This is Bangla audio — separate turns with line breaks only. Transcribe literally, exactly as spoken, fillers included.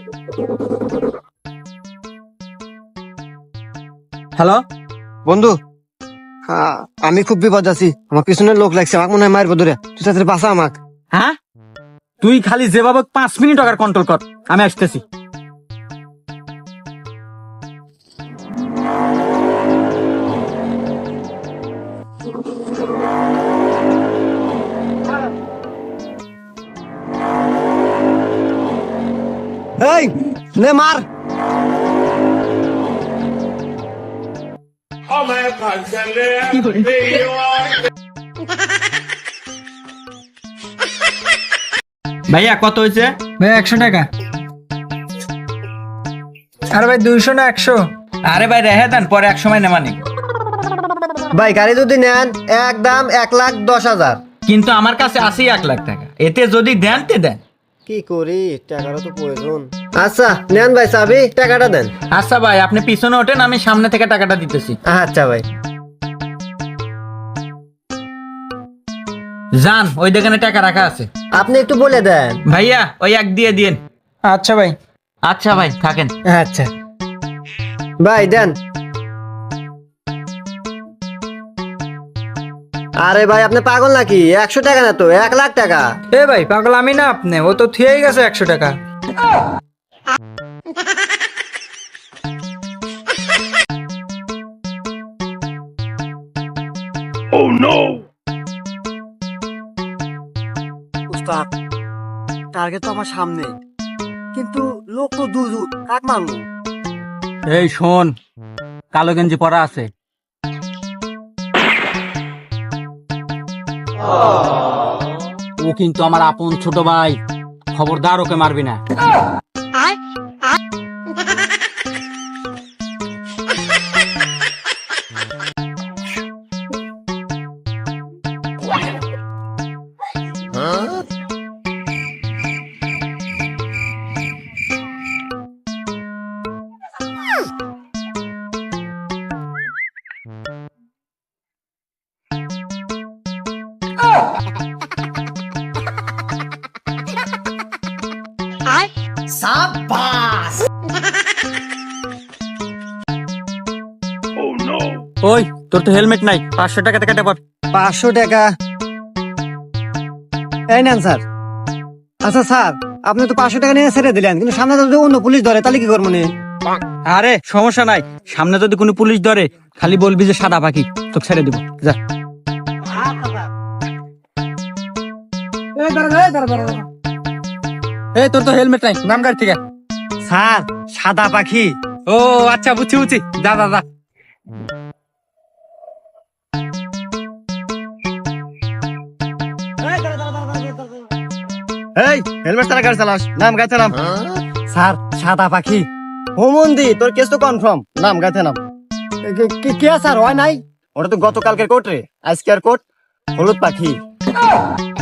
হ্যালো
বন্ধু, হ্যাঁ আমি খুব বিপদ আছি, আমার পিছনে লোক লাগছে, আমাকে মনে হয় মারবো ধরে, তুই তাড়াতাড়ি বাঁচা আমাক।
হ্যাঁ, তুই খালি যেভাবে পাঁচ মিনিট টাকার কন্ট্রোল কর, আমি আসতেছি।
এই নে মার।
ভাইয়া কত হয়েছে?
ভাই একশো টাকা। আরে ভাই দুইশো না একশো?
আরে ভাই রেহে দেন, পরে এক সময় নেমানি।
ভাই গাড়ি যদি নেন একদম এক লাখ দশ হাজার।
কিন্তু আমার কাছে আছে এক লাখ টাকা, এতে যদি দেন তে দেন।
কি করি, টাকারও তো প্রয়োজন। আচ্ছা নেন ভাই, চাবি টাকাটা দেন।
আচ্ছা ভাই, আপনি পিছনে ওঠেন, আমি সামনে থেকে টাকাটা দিতেছি।
আচ্ছা ভাই।
যান, ওই দোকানে টাকা রাখা আছে।
আপনি একটু বলে দেন।
ভাইয়া ওই এক দিয়ে দিন।
আচ্ছা ভাই।
আচ্ছা ভাই থাকেন।
আচ্ছা ভাই দেন। আরে ভাই আপনি পাগল নাকি? একশো টাকা না তো, এক লাখ টাকা।
এ ভাই পাগল আমি না আপনি, ও তো থিয়েই গেছে একশো টাকা।
উস্তাদ, টার্গেট তো আমার সামনে, কিন্তু লোক তো দূর দূর, কাক মারবো?
এই শোন, কালো গেঞ্জি পরা আছে। ও কিন্তু আমার আপন ছোট ভাই, খবরদার ওকে মারবি না। ওই তোর তো হেলমেট নাই, পাঁচশো টাকা টাকাটা পর।
পাঁচশো টাকা এই নেন স্যার। আচ্ছা স্যার, আপনি তো পাঁচশো টাকা নিয়ে ছেড়ে দিলেন, কিন্তু সামনে যদি অন্য পুলিশ ধরে তাহলে কি করবো?
আরে সমস্যা নাই, সামনে যদি কোনো পুলিশ ধরে খালি বলবি যে সাদা পাখি, তোকে ছেড়ে দিব। যা। এই তোর তো হেলমেট নাই, নাম গাড়ি থেকে।
স্যার সাদা পাখি।
ও আচ্ছা, বুঝছি বুঝছি, যা যা যা।
এই হেলমেট ছাড়া গাড়ি চালাস, নাম গাছে নাম। স্যার সাদা পাখি। হোমন্দি, তোর কেস তো কনফার্ম, নাম গাছে নাম। কে স্যার হয় নাই? ওটা তো গতকালকের কোর্ট রে, আজকের কোর্ট হলুদ পাখি।